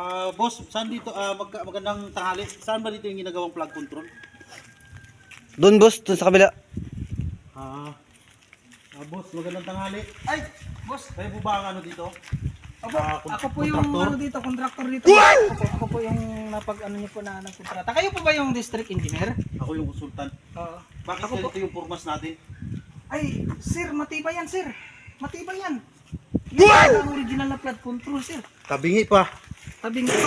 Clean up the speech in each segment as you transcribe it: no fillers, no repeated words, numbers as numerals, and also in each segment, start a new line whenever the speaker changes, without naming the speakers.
Boss, saan dito, magandang tanghali. Saan ba dito yung ginagawang plug control?
Doon boss, doon sa kabila.
Boss, magandang tanghali.
Ay, boss.
Kayo po ba ang ano dito?
Ako po yung
Contractor?
ano dito, contractor dito. Ako po yung napag-ano niyo po na nagkontrata. Kayo po ba yung district engineer?
Ako yung konsultan.
Oo.
Bakit
Ako po.
ganito yung formas natin?
Ay, sir, matibay yan, sir. Matibay yan. Yan ang original na flood control, sir.
Tabingi pa.
Tabing pa.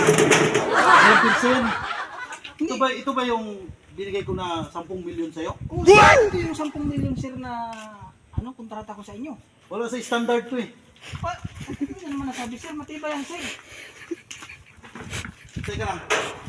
100%. Ito ba yung binigay ko na 10 milyon sa'yo?
Oh, sir, ito yung 10 million, sir, na ano, kontrata ko sa inyo.
Wala sa standard to eh.
Hindi na naman nasabi, sir. Matibay yan, sir.
Teka lang.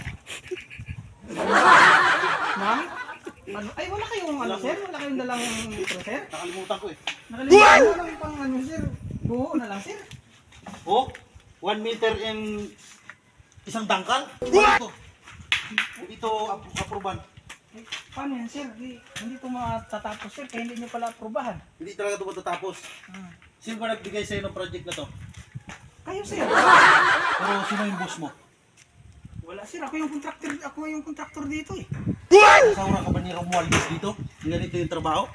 Ma'am? Ano? Ay, wala kayong ano, sir? Wala kayong dalang metro, sir?
Nakalimutan ko eh.
Nakalimutan mo lang pang ano, sir. Buo na lang, sir.
Oh, 1 meter and isang dangkal? Ito. Ito, aproban.
Eh, paano yan, sir? Hindi ito matatapos, sir. Kaya hindi nyo pala aprobahan.
Hindi talaga ito matatapos. Sino ba nagbigay sa'yo ng project na to?
Kayo, sir.
Pero sino yung boss mo?
Wala, sir. Ako yung contractor dito, eh.
Kasawra ka ba ni Romualdez dito? Ganito yung trabaho?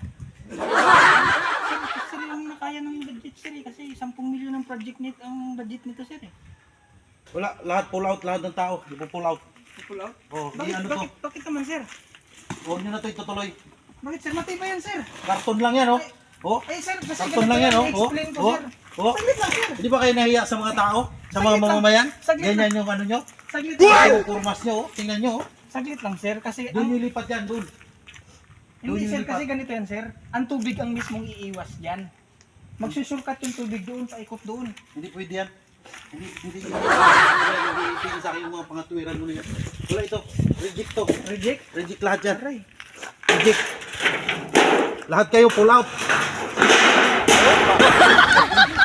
Sir, yung nakaya ng budget, sir, eh. Kasi 10 milyon ang ang budget nito, sir, eh.
Wala, lahat pull out, lahat ng tao. Di po pull out.
Pull out?
Oh, di ano to?
Bakit naman, sir?
Huwag nyo na ito itutuloy.
Bakit, sir? Matibay yan, sir.
Karton lang yan, oh. Oh,
Ay, sir, kasi
karton lang yan, oh. Oh,
explain ko,
oh,
sir.
oh.
Saglit lang, sir.
Hindi ba kayo nahiya sa mga tao? Sa mga
Saglit lang.
mamamayan?
Saglit
Ganyan yung ano nyo?
Saglit lang.
Yung kurmas nyo, oh. Tingnan nyo, oh.
Saglit lang, sir. Kasi
Doon yung lipat yan, doon.
hindi,
yung
sir,
lipat.
kasi ganito yan, sir. Ang tubig ang mismong iiwas dyan. Magsusurkat yung tubig doon, paikot doon.
Hindi pwede yan. Hindi sa akin yung mga pangatwiran mo na yan. Wala ito. Reject to.
Reject?
Reject lahat yan.
Aray.
Reject. Lahat kayo pull out.